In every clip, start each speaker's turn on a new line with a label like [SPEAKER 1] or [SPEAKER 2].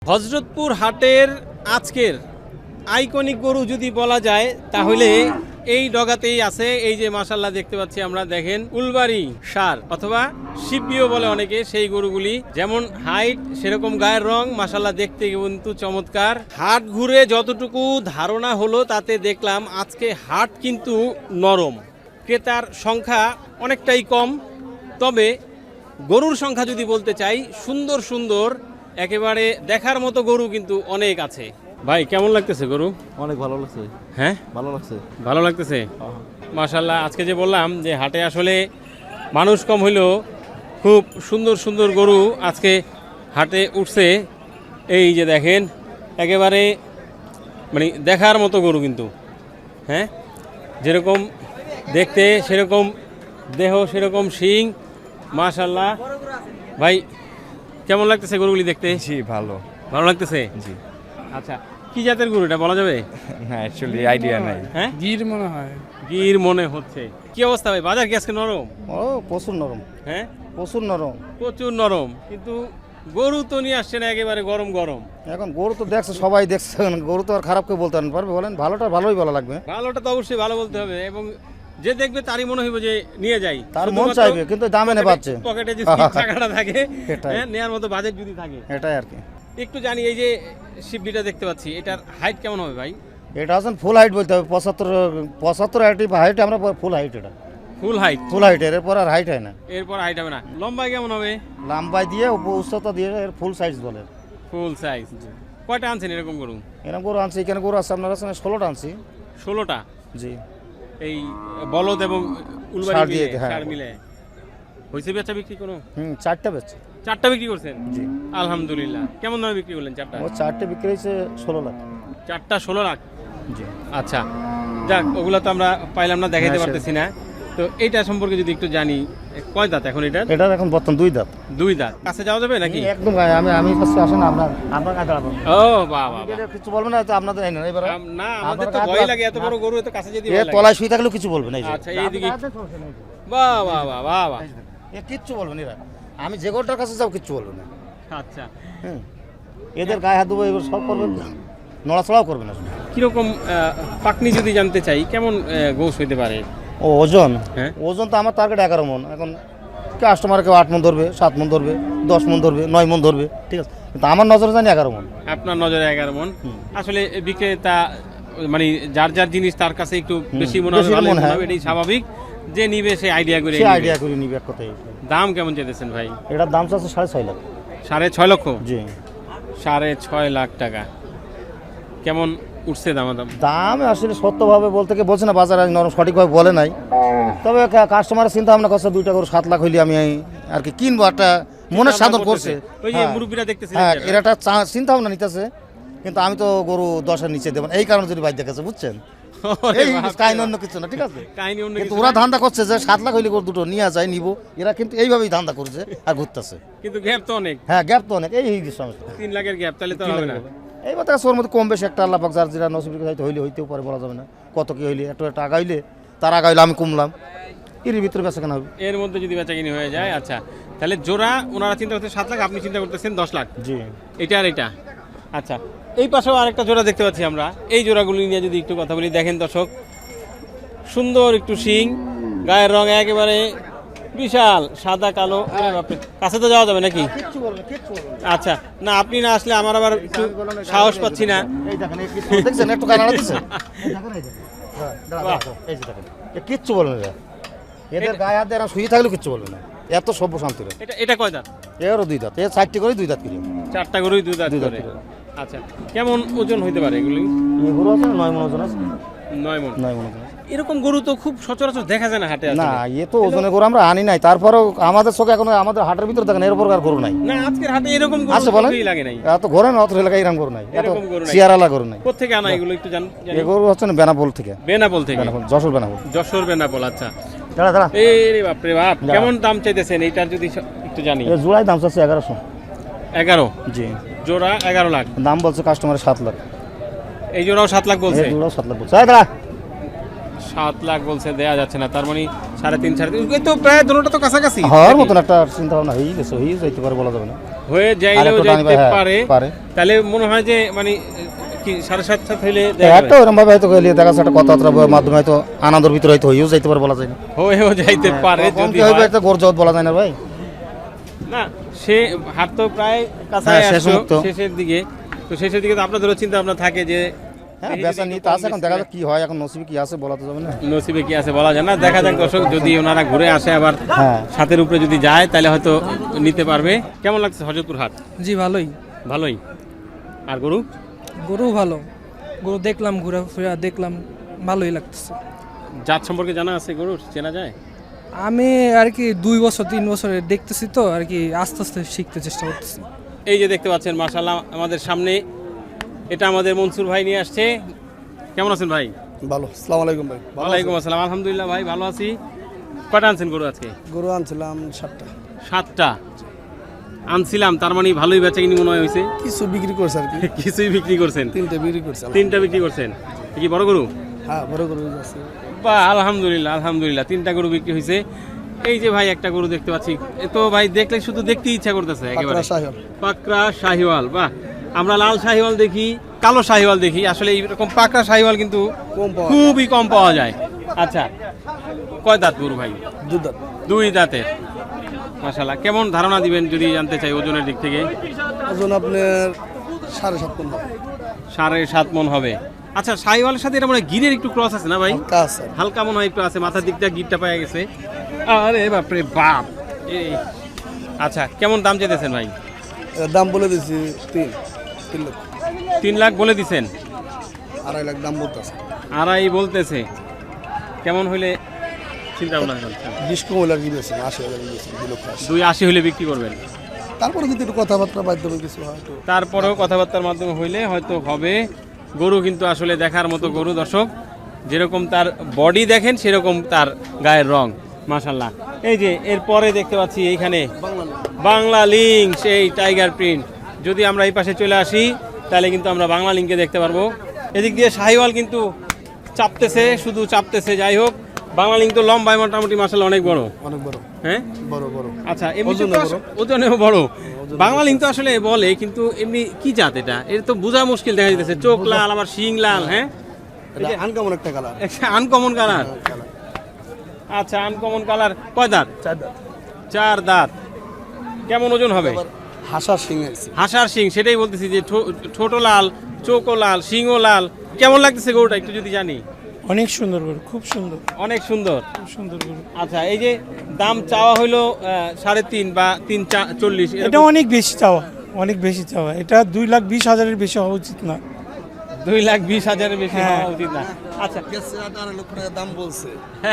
[SPEAKER 1] হযরতপুর হাটের আজকের আইকনিক গরু যদি বলা যায় তাহলে এই ডগাতেই আছে। এই যে মাশাআল্লাহ দেখতে পাচ্ছি আমরা, দেখেন উলবাড়ি সার অথবা শিববিও বলে অনেকে, সেই গরুগুলি যেমন হাইট সেরকম গায়ের রং, মাশাআল্লাহ দেখতে কিন্তু চমৎকার। হাট ঘুরে যতটুকু ধারণা হলো তাতে দেখলাম আজকে হাট কিন্তু নরম, ক্রেতার সংখ্যা অনেকটাই কম। তবে গরুর সংখ্যা যদি বলতে চাই, সুন্দর সুন্দর একেবারে দেখার মতো গরু কিন্তু অনেক আছে। ভাই কেমন লাগতেছে গরু?
[SPEAKER 2] অনেক ভালো লাগছে।
[SPEAKER 1] হ্যাঁ
[SPEAKER 2] ভালো লাগছে।
[SPEAKER 1] ভালো লাগতেছে মাশাআল্লাহ। আজকে যে বললাম যে হাটে আসলে মানুষ কম হইলেও খুব সুন্দর সুন্দর গরু আজকে হাটে উঠছে। এই যে দেখেন একেবারে মানে দেখার মতো গরু কিন্তু, হ্যাঁ যেরকম দেখতে সেরকম দেহ সেরকম শিং মাশাআল্লাহ। ভাই কেমন লাগতেছে গরুগুলি দেখতে?
[SPEAKER 2] জি ভালো।
[SPEAKER 1] ভালো লাগতেছে?
[SPEAKER 2] জি।
[SPEAKER 1] আচ্ছা, কি জাতের গরু এটা বলা যাবে?
[SPEAKER 2] না অ্যাকচুয়ালি আইডিয়া নাই।
[SPEAKER 1] হ্যাঁ
[SPEAKER 3] গির মনে হয়।
[SPEAKER 1] গির মনে হচ্ছে। কি অবস্থা ভাই, বাজার কি আজকে নরম?
[SPEAKER 4] ও প্রচুর নরম,
[SPEAKER 1] হ্যাঁ
[SPEAKER 4] প্রচুর নরম।
[SPEAKER 1] প্রচুর নরম, কিন্তু গরু তো নিয়ে আসছে না একেবারে গরম গরম।
[SPEAKER 4] এখন গরু তো দেখছে, সবাই দেখছে, গরু তো আর খারাপ কেউ বলতে পারবে? বলেন, ভালোটা ভালোই বলা লাগবে।
[SPEAKER 1] ভালোটা তো অবশ্যই ভালো বলতে হবে, এবং যে দেখবে তারই মনে হইব যে নিয়ে যাই,
[SPEAKER 4] তার মন চাইবে, কিন্তু দামে নে পাচ্ছে।
[SPEAKER 1] পকেটে যদি টাকাটা থাকে,
[SPEAKER 4] এটাই।
[SPEAKER 1] হ্যাঁ নেয়ার মতো বাজেট যদি থাকে,
[SPEAKER 4] এটাই আর কি।
[SPEAKER 1] একটু জানি এই যে শিবলিটা দেখতে পাচ্ছি, এটার হাইট কেমন হবে ভাই?
[SPEAKER 4] এটা আছেন ফুল হাইট বলতে হবে, 75 হাইট, আমরা ফুল হাইট। এটা
[SPEAKER 1] ফুল হাইট?
[SPEAKER 4] ফুল হাইট, এরপর আর হাইট হয় না।
[SPEAKER 1] এরপর হাইট হবে না। লম্বাই কেমন হবে?
[SPEAKER 4] লম্বাই দিয়ে উচ্চতা দিয়ে এর ফুল সাইজ বলে।
[SPEAKER 1] Full size. কয়টা আনছেন এরকম গরু?
[SPEAKER 4] এরকম গরু আনছি, এখানে গরু আছে আপনার কাছে 16টা আনছি।
[SPEAKER 1] 16টা?
[SPEAKER 4] জি।
[SPEAKER 1] এই বলদ এবং উলবাড়ি
[SPEAKER 4] ষাঁড় দিয়ে,
[SPEAKER 1] মিলে,
[SPEAKER 4] হ্যাঁ।
[SPEAKER 1] ষাঁড় মিলে হয়েছে বেচা বিক্রি কোনো?
[SPEAKER 4] 4টা বেচছে।
[SPEAKER 1] 4টা বিক্রি করছেন?
[SPEAKER 4] জি।
[SPEAKER 1] আলহামদুলিল্লাহ। কেমন দামে বিক্রি করলেন 4টা?
[SPEAKER 4] ও 4টে বিক্রি হয়েছে 16 লাখ।
[SPEAKER 1] 4টা 16 লাখ?
[SPEAKER 4] জি।
[SPEAKER 1] আচ্ছা, যাক ওগুলো তো আমরা পাইলাম না, দেখাইতে
[SPEAKER 4] হ্যাঁ,
[SPEAKER 1] পারতেছি না। তো এইটা সম্পর্কে যদি একটু জানি, কয় দাঁত এখন এটা?
[SPEAKER 4] এটা এখন বর্তমান 2 দাঁত।
[SPEAKER 1] 2 দাঁত। কাছে যাওয়া যাবে নাকি?
[SPEAKER 4] একদম আমি কাছে আসেন, আপনার কাছে দাঁড়াবো।
[SPEAKER 1] ও বাহ বাহ বাহ।
[SPEAKER 4] কিছু বলবেন না তো আপনাদের? এবার
[SPEAKER 1] না আমাদের তো ভয় লাগে, এত বড় গরু এত কাছে যেতে
[SPEAKER 4] এ
[SPEAKER 1] ভয় লাগে।
[SPEAKER 4] তলায় শুয়ে থাকলেও কিছু বলবেন না।
[SPEAKER 1] আচ্ছা এইদিকে বাহ বাহ বাহ বাহ বাহ।
[SPEAKER 4] এ কিচ্ছু বলবেন এরা, আমি যে গোটার কাছে যাও কিচ্ছু বলবেন না।
[SPEAKER 1] আচ্ছা,
[SPEAKER 4] হুম, এদের গায়ে হাত দেবো, এবার সব করবেন, নড়াচড়াও করবেন না।
[SPEAKER 1] কিরকম পাকনি যদি জানতে চাই, কেমন গোশ হইতে পারে?
[SPEAKER 4] ও ওজন?
[SPEAKER 1] হ্যাঁ।
[SPEAKER 4] ওজন তো আমার টার্গেট 11 মন। এখন কাস্টমার কেউ 8 মন ধরবে, 7 মন ধরবে, 10 মন ধরবে, 9 মন ধরবে, ঠিক আছে, কিন্তু আমার নজরে জানি 11 মন।
[SPEAKER 1] আপনার নজরে 11 মন। আসলে বিক্রেতা মানে যার যার জিনিস তার কাছে একটু বেশি মনে হবে,
[SPEAKER 4] বেশি
[SPEAKER 1] ভালো
[SPEAKER 4] মনে
[SPEAKER 1] মনে
[SPEAKER 4] হয়।
[SPEAKER 1] হবে, এটাই স্বাভাবিক। যে নিবে সে আইডিয়া করে
[SPEAKER 4] সে
[SPEAKER 1] নিবে।
[SPEAKER 4] আইডিয়া করে নিবে এক কথাই।
[SPEAKER 1] দাম কেমন চেয়েছেন ভাই?
[SPEAKER 4] এটার দাম চাচ্ছে 6.5 লাখ।
[SPEAKER 1] 6.5 লক্ষ?
[SPEAKER 4] জি।
[SPEAKER 1] 6.5 লাখ টাকা। কেমন উঠছে দামাদাম?
[SPEAKER 4] দাম আসলে সত্যভাবে বলতে কি বলছে না, বাজারে নরম সঠিকভাবে বলে নাই। তবে কাস্টমারের চিন্তা ভাবনা করছে 2টা করে 7 লাখ হইলে আমি আর কি কিনবো, একটা মনের সাধন করছে।
[SPEAKER 1] ওই যে
[SPEAKER 4] হ্যাঁ।
[SPEAKER 1] মুরব্বিরা দেখতেছে,
[SPEAKER 4] হ্যাঁ, এর একটা চিন্তা ভাবনা নিতেছে, কিন্তু আমি তো গরু 10-এর নিচে দেবো না, এই কারণে যদি বাইর দেখেছে, বুঝছেন? এই কাহিনী অন্য কিছু না, ঠিক আছে?
[SPEAKER 1] কাহিনী অন্য
[SPEAKER 4] কিন্তু
[SPEAKER 1] কিছু
[SPEAKER 4] ওরা
[SPEAKER 1] না।
[SPEAKER 4] ধান্দা করছে যে 7 লাখ হইলে গরু দুটো নিয়ে যায়, নিব। এরা কিন্তু এইভাবেই ধান্দা করছে আর ঘুরতেছে।
[SPEAKER 1] কিন্তু গ্যাপ তো অনেক,
[SPEAKER 4] হ্যাঁ, গ্যাপ তো অনেক, এই সমস্যা।
[SPEAKER 1] 3 লাখের গ্যাপ, তাহলে তো হবে না।
[SPEAKER 4] এই কথা ওর মধ্যে কম বেশি একটা আল্লাহ পাক যার যেটা নসিবের হয়তো হইলে হইতেও পারে, বলা যাবে না। কত কি হইলে, একটা আগা হইলে, তার আগা হইলে আমি কমলাম, এর ভিতরে বেচা কেনা হবে।
[SPEAKER 1] এর মধ্যে যদি বেচাকিনি হয়ে যায়, আচ্ছা তাহলে জোড়া ওনারা চিন্তা করতে 7 লাখ, আপনি চিন্তা করতেছেন 10 লাখ।
[SPEAKER 4] জি।
[SPEAKER 1] এটা আর এটা। আচ্ছা, এই পাশেও আরেকটা জোড়া দেখতে পাচ্ছি আমরা। এই জোড়াগুলি নিয়ে যদি একটু কথা বলি, দেখেন দর্শক, সুন্দর একটু শিং, গায়ের রং একেবারে বিশাল সাদা কালো। ওরে বাপরে, কাছে তো যাওয়া যাবে নাকি?
[SPEAKER 4] কিচ্ছু বলবে, কিচ্ছু বলবে না।
[SPEAKER 1] আচ্ছা, না আপনি না আসলে আমার আবার একটু সাহস পাচ্ছি না।
[SPEAKER 4] এই দেখেন, এই কিচ্ছু দেখছেন, একটু কানাড়া দিছে। এই দেখেন, এই দেখেন। হ্যাঁ, দাঁড়া, এই যে দেখেন, এ কিচ্ছু বলবে না। এদের গায়ে হাত দিয়ে এরা শুয়ে থাকলেও কিচ্ছু বলবে না, এত সভ্য শান্তি।
[SPEAKER 1] এটা এটা কয় দাঁত?
[SPEAKER 4] এরও 2 দাঁত, এর 4টি করে 2 দাঁত কিনে।
[SPEAKER 1] 4টা গরুই 2 দাঁত
[SPEAKER 4] দুই দাঁত
[SPEAKER 1] করে।
[SPEAKER 4] করে।
[SPEAKER 1] আচ্ছা, কেমন ওজন হইতে পারে এগুলি?
[SPEAKER 4] এগুলো আছে 9 মন ওজন আছে।
[SPEAKER 1] 9 মণ।
[SPEAKER 4] 9 মন ওজন আছে।
[SPEAKER 1] এরকম গরু তো খুব সচরাচর দেখা যায় না হাটে আসলে।
[SPEAKER 4] না, এ তো ওজনের গরু আমরা আনি নাই, তারপরেও আমাদের চোখে এখন আমাদের হাটের ভিতরে দেখেন এর উপর আর গরু নাই।
[SPEAKER 1] না, আজকের হাটে এরকম গরু
[SPEAKER 4] আছে বলেন?
[SPEAKER 1] চোখেই লাগে নাই।
[SPEAKER 4] এত ঘরে না, অত এলাকায় এরকম গরু নাই, এত
[SPEAKER 1] এরকম গরু নাই।
[SPEAKER 4] চেয়ারালা গরু নাই।
[SPEAKER 1] কোত্থেকে আনা এগুলো একটু জানি?
[SPEAKER 4] এই গরু হচ্ছে না বেনাপোল থেকে।
[SPEAKER 1] বেনাপোল থেকে?
[SPEAKER 4] বেনাপোল, যশোর বেনাপোল।
[SPEAKER 1] যশোর বেনাপোল, আচ্ছা।
[SPEAKER 4] দাঁড়া দাঁড়া,
[SPEAKER 1] এই রে বাপ রে বাপ,
[SPEAKER 4] দাঁড়া।
[SPEAKER 1] কেমন দাম চাইতেছেন এইটার যদি একটু জানি?
[SPEAKER 4] এর জোড়ায় দাম চাচ্ছে 1100।
[SPEAKER 1] 11?
[SPEAKER 4] জি।
[SPEAKER 1] জোড়া 11 লাখ।
[SPEAKER 4] দাম বলছে কাস্টমারের 7 লাখ।
[SPEAKER 1] এই জোড়াও 7 লাখ বলছে?
[SPEAKER 4] এই জোড়াও 7 লাখ বলছে। দাঁড়া,
[SPEAKER 1] 7 লাখ বলছে, দেয়া যাচ্ছে না। তার মানে 3.5 এই তো প্রায় দুটোটা তো কাছাকাছি
[SPEAKER 4] হওয়ার মতন একটা চিন্তা ভাবনা হয়ে গেছে, হয়ে যাইতে পারে, বলা যাবে না।
[SPEAKER 1] হয়ে
[SPEAKER 4] আর
[SPEAKER 1] যাইলেও
[SPEAKER 4] একটু টানি
[SPEAKER 1] যাইতে
[SPEAKER 4] হ্যাঁ,
[SPEAKER 1] পারে
[SPEAKER 4] পারে
[SPEAKER 1] তাহলে মনে হয় যে মানে কি 7:30 হইলে দেখা
[SPEAKER 4] একটা ওরকম ভাবে হয়তো গেলে দেখা যাচ্ছে একটা কথাবার্তার মাধ্যমে হয়তো আনন্দের ভিতরে হয়তো হয়েও যাইতে পারে, বলা যায় না।
[SPEAKER 1] হয়েও যাইতে পারে
[SPEAKER 4] কম
[SPEAKER 1] যদি
[SPEAKER 4] কি হইবে
[SPEAKER 1] হয়।
[SPEAKER 4] একটা গোর জগৎ বলা যায় না ভাই।
[SPEAKER 1] না সে হাট তো প্রায় কাছে
[SPEAKER 4] হ্যাঁ, শেষ
[SPEAKER 1] আসলো,
[SPEAKER 4] মুহূর্ত।
[SPEAKER 1] শেষের দিকে তো শেষের দিকে তো আপনাদেরও চিন্তা ভাবনা থাকে যে
[SPEAKER 4] হ্যাঁ,
[SPEAKER 1] দেখি
[SPEAKER 4] বেচা
[SPEAKER 1] যদি
[SPEAKER 4] নিতে
[SPEAKER 1] কম
[SPEAKER 4] আছে, এখন
[SPEAKER 1] বেশি
[SPEAKER 4] দেখা
[SPEAKER 1] হয়।
[SPEAKER 4] যাক কি হয়, এখন নসিবে কি আছে বলা তো যাবে না।
[SPEAKER 1] নসিবে কি আছে বলা যায় না, দেখা যাক দর্শক যদি ওনারা ঘুরে আসে আবার
[SPEAKER 4] হ্যাঁ।
[SPEAKER 1] সাথের উপরে যদি যায় তাহলে হয়তো নিতে পারবে। কেমন লাগছে হযরতপুর হাট?
[SPEAKER 3] জি ভালোই।
[SPEAKER 1] ভালোই। আর গরু
[SPEAKER 3] গরু ভালো, গরু দেখলাম, ঘোরাফেরা দেখলাম, ভালোই লাগতেছে।
[SPEAKER 1] জাত সম্পর্কে জানা আছে, গরুর চেনা যায়?
[SPEAKER 3] আমি আর কি 2 বছর 3 বছরে দেখতেছি তো আর কি, আস্তে আস্তে শিখতে চেষ্টা করতেছি।
[SPEAKER 1] এই যে দেখতে পাচ্ছেন মাশাআল্লাহ আমাদের সামনে, এটা আমাদের মনসুর ভাই নিয়ে আসছে। কেমন আছেন ভাই?
[SPEAKER 5] ভালো। আসসালামু আলাইকুম ভাই।
[SPEAKER 1] ওয়ালাইকুম আসসালাম, আলহামদুলিল্লাহ ভাই ভালো আছি। কয়টা আনছেন গরু আজকে?
[SPEAKER 5] গরু আনছিলাম 7টা।
[SPEAKER 1] 7টা আনছিলাম, তার মানে ভালোই বেচা কিনি মনে হয় হয়েছে।
[SPEAKER 5] কিছু বিক্রি করছে আর কি।
[SPEAKER 1] কিছুই বিক্রি করছেন?
[SPEAKER 5] 3টে বিক্রি করছে।
[SPEAKER 1] 3টা বিক্রি করছেন। এ কি বড় গরু?
[SPEAKER 5] হ্যাঁ, বড় গরু আছে।
[SPEAKER 1] বা আলহামদুলিল্লাহ আলহামদুলিল্লাহ 3টা গরু বিক্রি হয়েছে। এই যে ভাই একটা গরু দেখতে পাচ্ছি, এ তো ভাই দেখলে শুধু দেখতে ইচ্ছা করতেছে একেবারে।
[SPEAKER 5] পাকড়া শাহিওয়াল।
[SPEAKER 1] পাকড়া শাহিওয়াল, বাহ। আমরা লাল শাহিওয়াল দেখি, কালো শাহিওয়াল দেখি, আসলে এইরকম পাকড়া শাহিওয়াল কিন্তু
[SPEAKER 5] কম পাওয়া
[SPEAKER 1] খুবই কম পাওয়া যায়। আচ্ছা, কয় দাঁত গরু ভাই?
[SPEAKER 5] দুধ দাঁত।
[SPEAKER 1] 2 দাঁতের। মাশাআল্লাহ, কেমন ধারণা দিবেন যদি জানতে চাই ওজনের দিক থেকে?
[SPEAKER 5] ওজন আপনার 7.5 মণ হবে।
[SPEAKER 1] 7.5 মণ হবে। আচ্ছা, শাহিওয়ালের সাথে এটা মনে হয় গিরের একটু ক্রস আছে না ভাই?
[SPEAKER 5] হালকা আছে।
[SPEAKER 1] হালকা মনে হয় একটু আছে, মাথার দিকটা গিরটা পাওয়া গেছে। আরে বাপরে বাপ। এই আচ্ছা, কেমন দাম চাইতেছেন ভাই?
[SPEAKER 5] এর দাম বলে দিছি 3 লক্ষ।
[SPEAKER 1] 3 লাখ বলে দিছেন?
[SPEAKER 5] 2.5 লাখ দাম বলতেছে।
[SPEAKER 1] আড়াই বলতেছে। কেমন হইলে চিন্তা ভাবনা করছেন?
[SPEAKER 5] 20 কম হলে আর কি বেশি 80,000 বেশি 2 লক্ষ 80।
[SPEAKER 1] 2.80 হইলে বিক্রি করবেন?
[SPEAKER 5] তারপরে যদি একটু কথাবার্তা মাধ্যমে কিছু হয় একটু।
[SPEAKER 1] তারপরেও কথাবার্তার মাধ্যমে হইলে হয়তো হবে। গরু কিন্তু আসলে দেখার মতো গরু দর্শক, যেরকম তার বডি দেখেন সেরকম তার গায়ের রং। মাশাল্লাহ। এই যে এরপরে দেখতে পাচ্ছি এইখানে বাংলা লিঙ্ক, সেই টাইগার প্রিন্ট। যদি আমরা এই পাশে চলে আসি তাহলে কিন্তু আমরা বাংলা লিঙ্কে দেখতে পারবো। এদিক দিয়ে শাহিওয়াল কিন্তু চাপতেছে, শুধু চাপতেছে। যাই হোক, বাংলা লিঙ্ক তো লম্বায় মোটামুটি মাশাল্লাহ অনেক বড়।
[SPEAKER 5] অনেক বড়।
[SPEAKER 1] হ্যাঁ,
[SPEAKER 5] বড় বড়।
[SPEAKER 1] আচ্ছা, এমনি
[SPEAKER 5] ওজনেও বড়।
[SPEAKER 1] ওজনেও বড়। বাংলা লিঙ্ক তো আসলে বলে, কিন্তু এমনি কি জাত এটা? এটা তো বোঝা মুশকিল দেখা যাচ্ছে। চোখ লাল, আবার শিং লাল। হ্যাঁ,
[SPEAKER 5] এটা আনকমন একটা কালার।
[SPEAKER 1] Uncommon colour. আচ্ছা, আনকমন কালার। কয় দাঁত?
[SPEAKER 5] 4 দাঁত।
[SPEAKER 1] 4 দাঁত। কেমন ওজন হবে?
[SPEAKER 5] হাসার সিং আছে।
[SPEAKER 1] হাসার শিং, সেটাই বলতেছি যে ছোট লাল, চোখও লাল, শিংও লাল। কেমন লাগতেছে গরুটা একটু যদি জানি?
[SPEAKER 6] অনেক সুন্দর গরু, খুব সুন্দর,
[SPEAKER 1] অনেক সুন্দর।
[SPEAKER 6] খুব সুন্দর গরু।
[SPEAKER 1] আচ্ছা, এই যে দাম চাওয়া হইলো 3.5 বা 3.40,
[SPEAKER 6] এটা অনেক বেশি চাওয়া, অনেক বেশি চাওয়া। এটা 2,20,000-এর বেশি হওয়া উচিত না।
[SPEAKER 1] 2,20,000-এর বেশি
[SPEAKER 6] হ্যাঁ।
[SPEAKER 1] হওয়া উচিত না। আচ্ছা,
[SPEAKER 5] গেছে 2.5 লক্ষ টাকা দাম বলছে।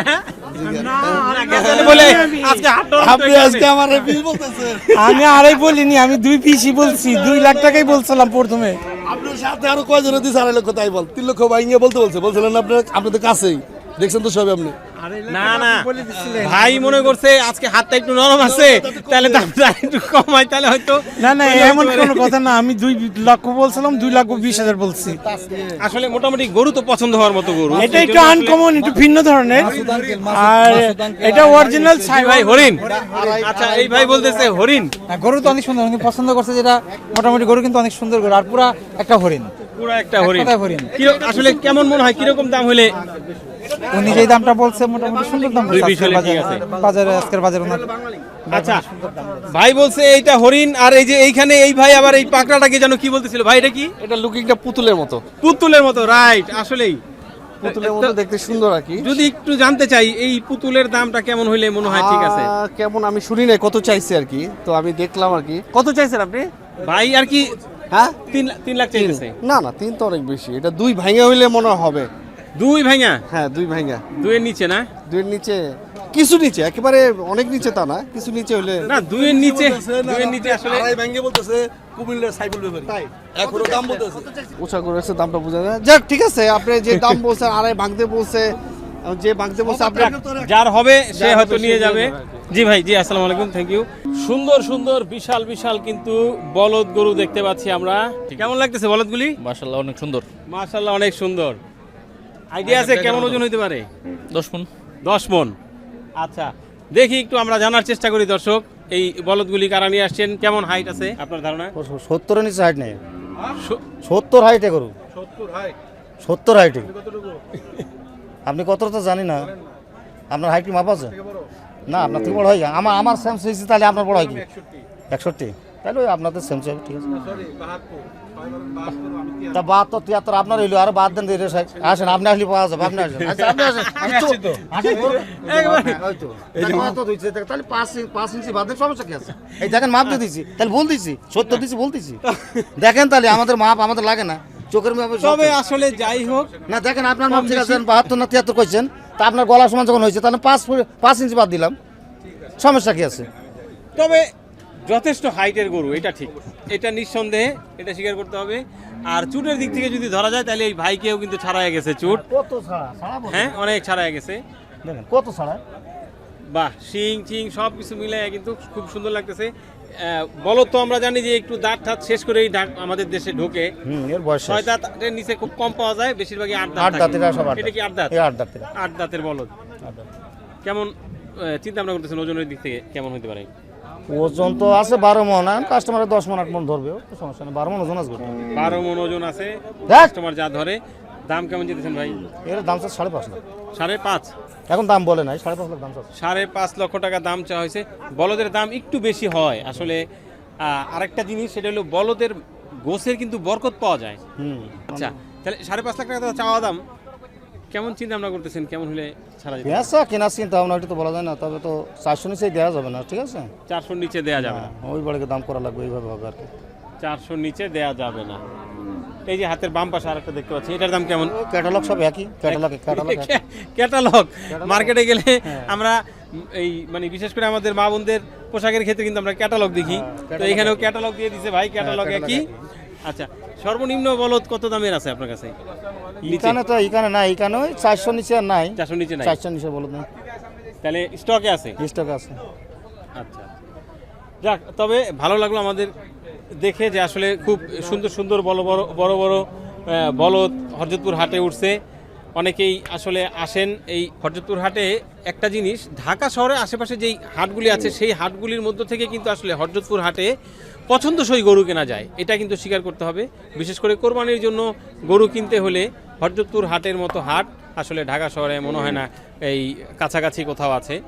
[SPEAKER 1] বলে আজকে হাট
[SPEAKER 5] আপনি আজকে আমার বিল বলতেছে।
[SPEAKER 6] আমি আড়াই বলিনি, আমি 2,20,000 বলছি। 2 লাখ টাকাই বলছিলাম প্রথমে।
[SPEAKER 5] আপনার সাথে আরো কয়জনে দিছে 2.5 লক্ষ, তাই বল 3 লক্ষ ভাঙিয়ে বলতে বলছিলেন আপনাদের কাছেই দেখছেন তো সবই আপনি।
[SPEAKER 1] না না, ভাই মনে করছে আজকে হাতটা একটু নরম আছে, তাহলে দামটা একটু কমাই, তাহলে হয়তো।
[SPEAKER 6] না না, এমন কোনো কথা না। আমি 2 লক্ষ বলছিলাম, 2,20,000 বলছি।
[SPEAKER 1] আসলে মোটামুটি গরু তো পছন্দ হওয়ার মতো গরু।
[SPEAKER 6] এটা একটু আনকমন, একটু ভিন্ন ধরনের। আর এটা অরিজিনাল
[SPEAKER 1] ভাই হরিণ। আচ্ছা, এই ভাই বলতেছে হরিণ।
[SPEAKER 7] গরু তো অনেক সুন্দর, উনি পছন্দ করছে যেটা, মোটামুটি গরু কিন্তু অনেক সুন্দর গরু, আর পুরা একটা হরিণ।
[SPEAKER 1] পুরো একটা হরিণ।
[SPEAKER 7] কথায় হরিণ।
[SPEAKER 1] আসলে কেমন মনে হয়, কিরকম দাম হইলে?
[SPEAKER 7] উনি যেই দামটা বলছে মোটামুটি সুন্দর দাম বলছে।
[SPEAKER 1] 2,20,000
[SPEAKER 7] আজকের
[SPEAKER 1] ঠিক আছে।
[SPEAKER 7] বাজারে আজকের বাজারে ওনার
[SPEAKER 1] আচ্ছা, ভাই বলছে এইটা হরিণ। আর এই যে এইখানে এই ভাই আবার এই পাকড়াটাকে যেন কি বলতেছিল ভাই, এটা কি?
[SPEAKER 5] এটা লুকিংটা পুতুলের মতো।
[SPEAKER 1] পুতুলের মতো, রাইট। আসলেই
[SPEAKER 5] পুতুলের মতো দেখতে সুন্দর আর কি।
[SPEAKER 1] যদি একটু জানতে চাই এই পুতুলের দামটা কেমন হইলে মনে হয় ঠিক আছে?
[SPEAKER 5] কেমন আমি শুনি নাই কত চাইছে আর কি, তো আমি দেখলাম আর কি। কত চাইছেন আপনি?
[SPEAKER 1] ভাই আর কি
[SPEAKER 5] হ্যাঁ,
[SPEAKER 1] 3 লাখ চাইতেছে।
[SPEAKER 5] না না, 3 তো অনেক বেশি। এটা 2 ভাঙা হইলে মনে হবে।
[SPEAKER 1] 2 ভাঙা?
[SPEAKER 5] হ্যাঁ, 2 ভাঙা।
[SPEAKER 1] 2 এর নিচে না?
[SPEAKER 5] 2 এর নিচে, কিছু নিচে, একেবারে অনেক নিচে তা না, কিছু নিচে হইলে।
[SPEAKER 1] না, 2 এর নিচে, 2 এর নিচে আসলে
[SPEAKER 5] ভাঙে বলতেছে কুমিল্লার সাইফুল ব্যাপারী। এখনো দাম বলতেছে। ওছা করেছে, দামটা বোঝা যায়। যাক, ঠিক আছে, আপনি যে দাম বলছেন আড়াই ভাঙতে বলছে, যে ভাঙতে বলছে আপনি।
[SPEAKER 1] যার হবে সে হয়তো নিয়ে যাবে। জি ভাই, জি, আসসালামু আলাইকুম, থ্যাংক ইউ। সুন্দর সুন্দর বিশাল বিশাল কিন্তু বলদ গরু দেখতে পাচ্ছি আমরা। কেমন লাগতেছে বলদগুলি?
[SPEAKER 2] মাশাআল্লাহ অনেক সুন্দর।
[SPEAKER 1] মাশাআল্লাহ, অনেক সুন্দর। আইডিয়া আছে কেমন ওজন হইতে পারে?
[SPEAKER 2] 10 মণ।
[SPEAKER 1] 10 মণ। আচ্ছা, দেখি একটু আমরা জানার চেষ্টা করি দর্শক। এই বলদগুলি কারা নিয়ে আসছেন, কেমন হাইট আছে আপনার ধারণা?
[SPEAKER 4] 70-এর নিচে হাইট নেই, 70 হাইটে গরু, 70 হাইটে। আপনি কতটা তো জানি না, আপনার হাইট কি মাপ আছে? না, আপনার থেকে বড় হয় আমার সেম সাইজ, তাহলে আপনার বড় হয় কি 61? তাহলে ওই আপনাদের সেম সাইজ, ঠিক আছে। তা 72, 73 আপনার হইলো, আর বাদ দেন দিয়ে আসেন, আপনি আসলে পাওয়া যাবে, আপনি আসেন। আচ্ছা, আপনি আসেন, তাহলে 5 ইঞ্চি বাদ দেন, সমস্যা কি আছে? এই দেখেন মাপ দিয়ে দিচ্ছি, তাহলে বল দিচ্ছি, 70 দিচ্ছি বলতেছি। দেখেন তাহলে আমাদের মাপ আমাদের লাগে না, চোখের মাপে।
[SPEAKER 1] তবে আসলে যাই হোক,
[SPEAKER 4] না দেখেন আপনার মাপ ঠিক আছে, 72 না 73 কইছেন, তা আপনার গলা সমান যখন হয়েছে তাহলে 5 ইঞ্চি বাদ দিলাম, সমস্যা কি আছে?
[SPEAKER 1] তবে যথেষ্ট হাইটের গরু, এটা ঠিক, এটা নিঃসন্দেহে, এটা স্বীকার করতে হবে। আর চুটের দিক থেকে যদি ধরা যায় তাহলে এই ভাইকেও কিন্তু ছাড়াই গেছে চুট,
[SPEAKER 4] কত ছাড়া ছাড়া
[SPEAKER 1] হ্যাঁ অনেক ছাড়াই গেছে।
[SPEAKER 4] দেখেন কত ছাড়া,
[SPEAKER 1] বাহ, শিং চিং সব কিছু মিলে কিন্তু খুব সুন্দর লাগতেছে। বলদ তো আমরা জানি যে একটু দাঁত ঠাত শেষ করেই আমাদের দেশে ঢোকে,
[SPEAKER 4] এর বয়স
[SPEAKER 1] 6 দাঁতের নিচে খুব কম পাওয়া যায়, বেশিরভাগই 8 দাঁত
[SPEAKER 4] 8
[SPEAKER 1] থাকে।
[SPEAKER 4] দাঁতের, সব 8
[SPEAKER 1] এটা কি 8 দাঁত?
[SPEAKER 4] 8 দাঁতের,
[SPEAKER 1] 8 দাঁতের বলদ। কেমন চিন্তা ভাবনা করতেছেন ওজনের দিক থেকে কেমন হতে পারে?
[SPEAKER 4] ওজন তো আছে 12 মন, কাস্টমারে 10 মন 8 মন ধরবে, তো সমস্যা নেই, 12 মন ওজন আছে।
[SPEAKER 1] 12 মন ওজন আছে,
[SPEAKER 4] দেখ।
[SPEAKER 1] কাস্টমার যা ধরে। দাম কেমন যেতেছেন ভাই?
[SPEAKER 4] এর দাম চাচ্ছে 5.5 লাখ,
[SPEAKER 1] 5.5।
[SPEAKER 4] এখন দাম বলে নাই, 5.5 লাখ দাম চাচ্ছে।
[SPEAKER 1] 5.5 লক্ষ টাকা দাম চাওয়া হয়েছে। বলদের দাম একটু বেশি হয় আসলে। আরেকটা জিনিস, সেটা হলো বলদের গোছের কিন্তু বরকত পাওয়া যায়। আচ্ছা, তাহলে 5.5 লাখ টাকা চাওয়া দাম, কেমন চিন্তা ভাবনা করতেছেন, কেমন হলে ছাড়া যাবে?
[SPEAKER 4] পেঁচা কেনার চিন্তা ভাবনা ওইটা তো বলা যায় না, তবে তো 400 নিচেই দেওয়া যাবে না, ঠিক আছে।
[SPEAKER 1] 400 নিচে দেয়া যাবে না,
[SPEAKER 4] ওই বাড়িতে দাম করা লাগবে, এইভাবে হবে আর কি।
[SPEAKER 1] 400 নিচে দেয়া যাবে না। এই যে হাতের বাম পাশে আরেকটা দেখতে পাচ্ছি, এটার দাম কেমন?
[SPEAKER 4] ক্যাটালগ সব একই, ক্যাটালগ
[SPEAKER 1] ক্যাটালগ। মার্কেটে গেলে আমরা এই মানে বিশেষ করে আমাদের মা বোনদের পোশাকের ক্ষেত্রে কিন্তু আমরা ক্যাটালগ দেখি, তো এখানেও ক্যাটালগ দিয়ে দিছে ভাই, ক্যাটালগ একই। আচ্ছা, সর্বনিম্ন বলদ কত দামের আছে আপনার কাছে?
[SPEAKER 4] এখানে তো এখানে নাই, এখানে ওই 400 নিচে আর নাই,
[SPEAKER 1] 400 নিচে নাই,
[SPEAKER 4] 400 নিচে বলদ নাই,
[SPEAKER 1] তাহলে স্টকে আছে?
[SPEAKER 4] স্টক আছে।
[SPEAKER 1] আচ্ছা, যাক, তবে ভালো লাগলো আমাদের দেখে যে আসলে খুব সুন্দর সুন্দর বড় বড় বলদ হরজতপুর হাটে উঠছে। অনেকেই আসলে আসেন এই হরজতপুর হাটে। একটা জিনিস, ঢাকা শহরের আশেপাশে যেই হাটগুলি আছে সেই হাটগুলির মধ্য থেকে কিন্তু আসলে হরজতপুর হাটে পছন্দসই গরু কেনা যায়, এটা কিন্তু স্বীকার করতে হবে। বিশেষ করে কোরবানির জন্য গরু কিনতে হলে হরজতপুর হাটের মতো হাট আসলে ঢাকা শহরে মনে হয় না এই কাছাকাছি কোথাও আছে।